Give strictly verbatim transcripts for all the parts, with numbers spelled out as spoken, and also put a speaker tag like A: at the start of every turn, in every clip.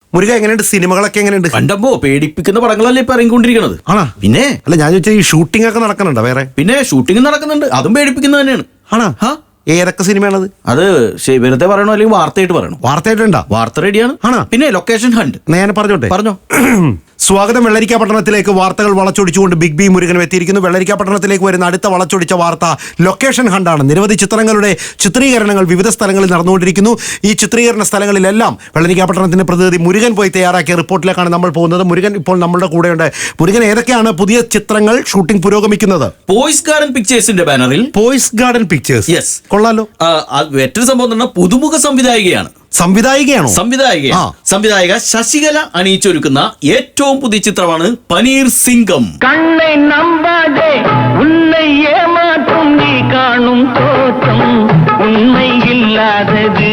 A: മുരുക എങ്ങനെയുണ്ട്? സിനിമകളൊക്കെ എങ്ങനെയുണ്ട്?
B: കണ്ടപ്പോ പേടിപ്പിക്കുന്ന പടങ്ങളല്ലേ ഇപ്പൊ ഇറങ്ങിക്കൊണ്ടിരിക്കണത്.
A: ആണോ?
B: പിന്നെ
A: അല്ല, ഞാൻ ചോദിച്ചാൽ ഈ ഷൂട്ടിംഗ് ഒക്കെ നടക്കുന്നുണ്ടോ വേറെ?
B: പിന്നെ ഷൂട്ടിംഗ് നടക്കുന്നുണ്ട്, അതും പേടിപ്പിക്കുന്നത് തന്നെയാണ്.
A: ആണോ? ഏതൊക്കെ സിനിമയാണത്?
B: അത് ശരി, വെറുതെ പറയണോ അല്ലെങ്കിൽ വാർത്തയായിട്ട് പറയണോ?
A: വാർത്തയായിട്ടുണ്ടോ?
B: വാർത്ത റെഡിയാണ്.
A: ആണോ?
B: പിന്നെ ലൊക്കേഷൻ ഹണ്ട്
A: ഞാൻ പറഞ്ഞോട്ടെ?
B: പറഞ്ഞോ.
A: സ്വാഗതം. വെള്ളരിക്ക പട്ടണത്തിലേക്ക് വാർത്തകൾ വളച്ചൊടിച്ചുകൊണ്ട് ബിഗ് ബി മുരുകനും എത്തിയിരിക്കുന്നു. വെള്ളരിക്ക പട്ടണത്തിലേക്ക് വരുന്ന അടുത്ത വളച്ചൊടിച്ച വാർത്ത ലൊക്കേഷൻ ഹണ്ടാണ്. നിരവധി ചിത്രങ്ങളുടെ ചിത്രീകരണങ്ങൾ വിവിധ സ്ഥലങ്ങളിൽ നടന്നുകൊണ്ടിരിക്കുന്നു. ഈ ചിത്രീകരണ സ്ഥലങ്ങളിലെല്ലാം വെള്ളരിക്ക പട്ടണത്തിന്റെ പ്രതിനിധി മുരുകൻ പോയി തയ്യാറാക്കിയ റിപ്പോർട്ടിലേക്കാണ് നമ്മൾ പോകുന്നത്. മുരുകൻ ഇപ്പോൾ നമ്മളുടെ കൂടെയുണ്ട്. മുരുകൻ, ഏതൊക്കെയാണ് പുതിയ ചിത്രങ്ങൾ ഷൂട്ടിംഗ് പുരോഗമിക്കുന്നത്?
B: പോയ്സ് ഗാർഡൻ പിക്ചേഴ്സിന്റെ ബാനറിൽ.
A: പോയ്സ് ഗാർഡൻ പിക്ചേഴ്സ്.
B: യെസ്,
A: കൊള്ളാലോ.
B: മറ്റൊരു സംഭവം തന്നെ പുതുമുഖ സംവിധായികയാണ്.
A: സംവിധായികയാണോ?
B: സംവിധായിക സംവിധായിക ശശികല അണിയിച്ചൊരുക്കുന്ന ഏറ്റവും പുതിയ ചിത്രമാണ് പനീർ സിംഗം.
C: കണ്ണை நம்பாதே உன்னை ஏமாற்றும் நீ காணும் தோற்றம் உண்மை இல்லாதது.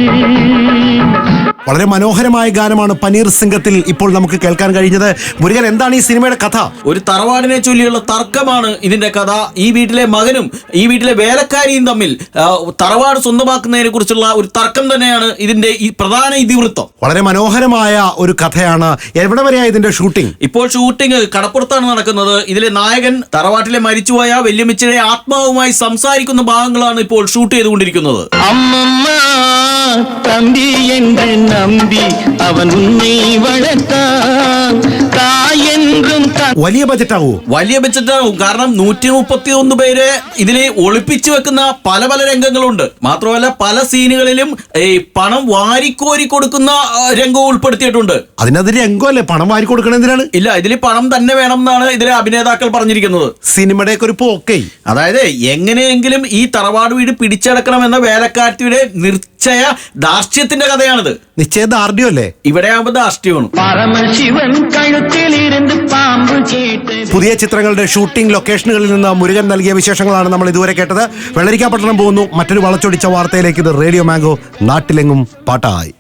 A: വളരെ മനോഹരമായ ഗാനമാണ് പനീർ സിംഗത്തിൽ ഇപ്പോൾ നമുക്ക് കേൾക്കാൻ കഴിഞ്ഞത്. മുരുകൻ, എന്താണ് ഈ സിനിമയുടെ കഥ?
B: ഒരു തറവാടിനെ ചൊല്ലിയുള്ള തർക്കമാണ് ഇതിന്റെ കഥ. ഈ വീട്ടിലെ മകനും ഈ വീട്ടിലെ വേലക്കാരിയും തമ്മിൽ തറവാട് സ്വന്തമാക്കുന്നതിനെ കുറിച്ചുള്ള ഒരു തർക്കം തന്നെയാണ് ഇതിന്റെ ഈ പ്രധാന ഇതിവൃത്തം.
A: വളരെ മനോഹരമായ ഒരു കഥയാണ്. എവിടെ വരെയാ ഇതിന്റെ ഷൂട്ടിംഗ്?
B: ഇപ്പോൾ ഷൂട്ടിംഗ് കടപ്പുറത്താണ് നടക്കുന്നത്. ഇതിലെ നായകൻ തറവാട്ടിലെ മരിച്ചുപോയ വല്യമ്മച്ചിയുടെ ആത്മാവുമായി സംസാരിക്കുന്ന ഭാഗങ്ങളാണ് ഇപ്പോൾ ഷൂട്ട് ചെയ്തുകൊണ്ടിരിക്കുന്നത്.
C: അമ്മമ്മ തമ്പി என்று നമ്പി അവൻ ഉന്നെ വളർത്താൻ തായെന്നും.
A: വലിയ ബജറ്റാവോ?
B: വലിയ ബജറ്റാവും. കാരണം നൂറ്റി മുപ്പത്തി ഒന്ന് പേര് ഇതിൽ ഒളിപ്പിച്ചു വെക്കുന്ന പല പല രംഗങ്ങളുണ്ട്. മാത്രമല്ല പല സീനുകളിലും ഈ പണം വാരിക്കോരി കൊടുക്കുന്ന രംഗവും ഉൾപ്പെടുത്തിയിട്ടുണ്ട്.
A: അതിനത് രംഗമല്ലേ? പണം വാരി കൊടുക്കണം എന്തിനാണ്?
B: ഇല്ല, ഇതിൽ പണം തന്നെ വേണം എന്നാണ് ഇതിലെ അഭിനേതാക്കൾ പറഞ്ഞിരിക്കുന്നത്.
A: സിനിമയുടെ ഒക്കെ ഒരു പോക്കേ.
B: അതായത് എങ്ങനെയെങ്കിലും ഈ തറവാട് വീട് പിടിച്ചടക്കണമെന്ന വേലക്കാരത്തിയുടെ നിശ്ചയ ധാർഷ്ട്യത്തിന്റെ കഥയാണിത്.
A: നിശ്ചയദാർഢ്യം അല്ലേ?
B: ഇവിടെ ആകുമ്പോൾ ധാർഷ്ട്യമാണ്.
C: പരമശിവൻ കഴുത്തിലിരുന്ന് പാമ്പ് കേട്ട്.
A: പുതിയ ചിത്രങ്ങളുടെ ഷൂട്ടിംഗ് ലൊക്കേഷനുകളിൽ നിന്ന് മുരുകൻ നൽകിയ വിശേഷങ്ങളാണ് നമ്മൾ ഇതുവരെ കേട്ടത്. വെള്ളരിക്കാപട്ടണം പോകുന്നു മറ്റൊരു വളച്ചൊടിച്ച വാർത്തയിലേക്ക്. ഇത് റേഡിയോ മാംഗോ, നാട്ടിലെങ്ങും പാട്ടായി.